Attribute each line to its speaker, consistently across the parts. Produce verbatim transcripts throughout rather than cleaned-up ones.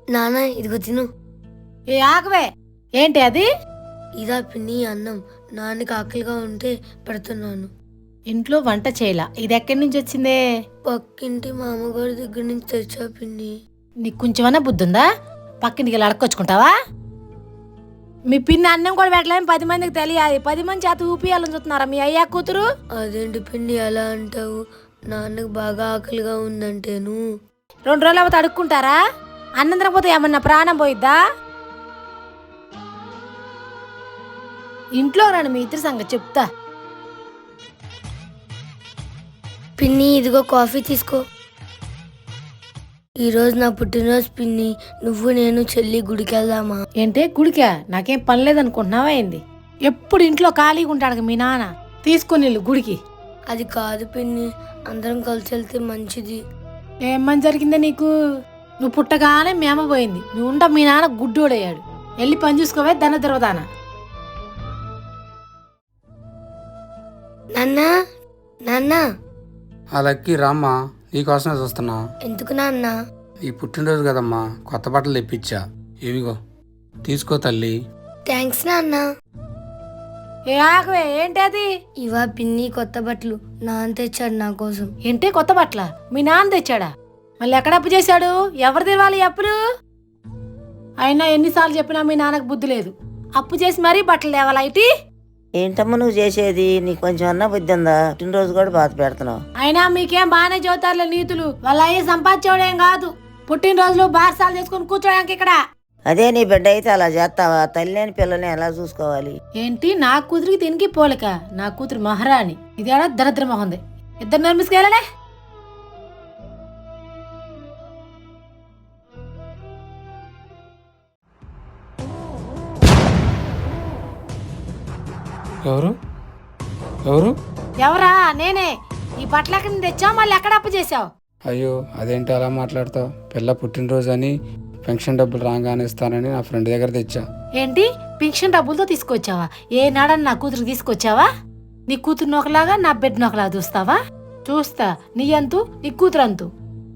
Speaker 1: నాన్న ఇదిగో తిను.
Speaker 2: ఏ ఆగవే, ఏంటి అది?
Speaker 1: ఇదా పిన్ని అన్నం. నాన్నకి ఆకలిగా ఉంటే పెడుతున్నాను.
Speaker 2: ఇంట్లో వంట చేయలా, ఇది ఎక్కడి నుంచి వచ్చిందే?
Speaker 1: పక్కింటి మామగారి దగ్గర నుంచి తెచ్చా పిన్ని.
Speaker 2: నీకు కొంచెమన్నా బుద్ధి ఉందా? పక్కింటికి వెళ్ళి అడక్కొచ్చుకుంటావా? మీ పిన్ని అన్నం కూడా పెట్టలేని పది మందికి తెలియాలి. పది మంది చేత ఊపియాలని చూస్తున్నారా మీ అయ్యా కూతురు?
Speaker 1: అదేంటి పిన్ని అలా అంటావు? నాన్నకు బాగా ఆకలిగా ఉందంటేను.
Speaker 2: రెండు రోజులు అవుతా అడుక్కుంటారా? అన్నం తినకపోతే ఏమన్నా ప్రాణం పోయిద్దా? ఇంట్లో రాను మీ ఇద్దరి సంగతి చెప్తా.
Speaker 1: పిన్ని ఇదిగో కాఫీ తీసుకో. ఈరోజు నా పుట్టినరోజు పిన్ని. నువ్వు నేను చెల్లి గుడికి వెళ్దామా?
Speaker 2: ఏంటే గుడికా? నాకేం పని లేదనుకుంటున్నావా ఏంది? ఎప్పుడు ఇంట్లో ఖాళీగా ఉంటాడు మీ నాన్న. తీసుకుని వెళ్ళు గుడికి.
Speaker 1: అది కాదు పిన్ని, అందరం కలిసి వెళ్తే మంచిది.
Speaker 2: ఏమని జరిగిందే నీకు? నువ్వు పుట్టగానే మీ అమ్మ పోయింది. నువ్వు ఉండ మీ నాన్న గుడ్డోడయ్యాడు. వెళ్ళి పని చూసుకోవే దన తిరగదానా.
Speaker 1: నాన్న నాన్న
Speaker 3: ఆ లక్కీ రామ్మా, నీకోసమే చూస్తున్నా.
Speaker 1: ఎందుకు నాన్న?
Speaker 3: ఈ పుట్టినరోజు కదమ్మా, కొత్త బట్టలు తెప్పించా. ఇవిగో తీసుకో తల్లి.
Speaker 1: థ్యాంక్స్ నాన్న.
Speaker 2: ఏ ఆగవే, ఏంటి అది?
Speaker 1: ఇవా పిన్ని కొత్త బట్టలు. నాన్న తెచ్చాడు నా కోసం.
Speaker 2: ఏంటి కొత్త బట్టల? మీ నాన్న తెచ్చాడా? మళ్ళీ ఎక్కడ అప్పు చేశాడు? ఎవరు తెవాలి అప్పులు? అయినా ఎన్నిసార్లు చెప్పినా మీ నాన్నకు బుద్ధి లేదు. అప్పు చేసి మరీ బట్టలు తేవాలా ఇటీ?
Speaker 4: ఏంటమ్మా నువ్వు చేసేది? నీకు కొంచెం అన్న బుద్ధి ఉందా? పుట్టినరోజు కూడా బాధ పెడుతున్నావు.
Speaker 2: అయినా మీకేం బాగానే చదువుతారులే నీతులు. వాళ్ళ అయ్యి సంపాదించేవాడేం కాదు. పుట్టినరోజులు బారసాలు చేసుకుని కూర్చోడానికి ఇక్కడ.
Speaker 4: అదే నీ బిడ్డ అయితే అలా చేస్తావా? తల్లిని పిల్లని ఎలా చూసుకోవాలి?
Speaker 2: ఏంటి నా కూతురికి తినికి పోలిక? నా కూతురు మహారాణి. ఇదేడా దరిద్ర మొహంది. ఇద్దరు నర్మిసుకెళ్ళడే.
Speaker 3: ఎవరు ఎవరు
Speaker 2: ఎవరా? నేనే. ఈ బట్టలు ఎక్కడి నుంచి తెచ్చావు? మళ్ళీ ఎక్కడ అప్పు చేసావు?
Speaker 3: అయ్యో, అదేంటి అలా మాట్లాడతావు? పిల్ల పుట్టినరోజు అని పెన్షన్ డబ్బులు రాగానే ఇస్తానని నా ఫ్రెండ్ దగ్గర తెచ్చా.
Speaker 2: ఏంటి పెన్షన్ డబ్బులతో తీసుకొచ్చావా? ఏ నాడని నా కూతురు తీసుకొచ్చావా? నీ కూతురు ఒకలాగా నా బిడ్డ ఒకలాగా చూస్తావా? చూస్తా నీ అంతు, నీ కూతురు అంతు.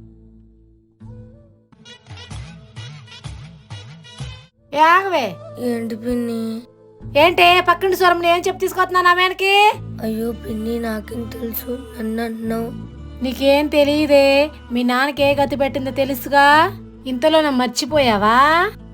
Speaker 2: ఏ ఆగవే.
Speaker 1: ఏంటి పిన్ని?
Speaker 2: ఏంటే పక్కింటి స్వరం ఏం చెప్పి తీసుకొస్తున్నా ఆమెకి?
Speaker 1: అయ్యో పిన్ని, నాకేం తెలుసు? నన్ను అంటున్నావు.
Speaker 2: నీకేం తెలియదే. మీ నాన్నకి ఏ గతి పెట్టిందో తెలుసుగా. ఇంతలో నా మర్చిపోయావా?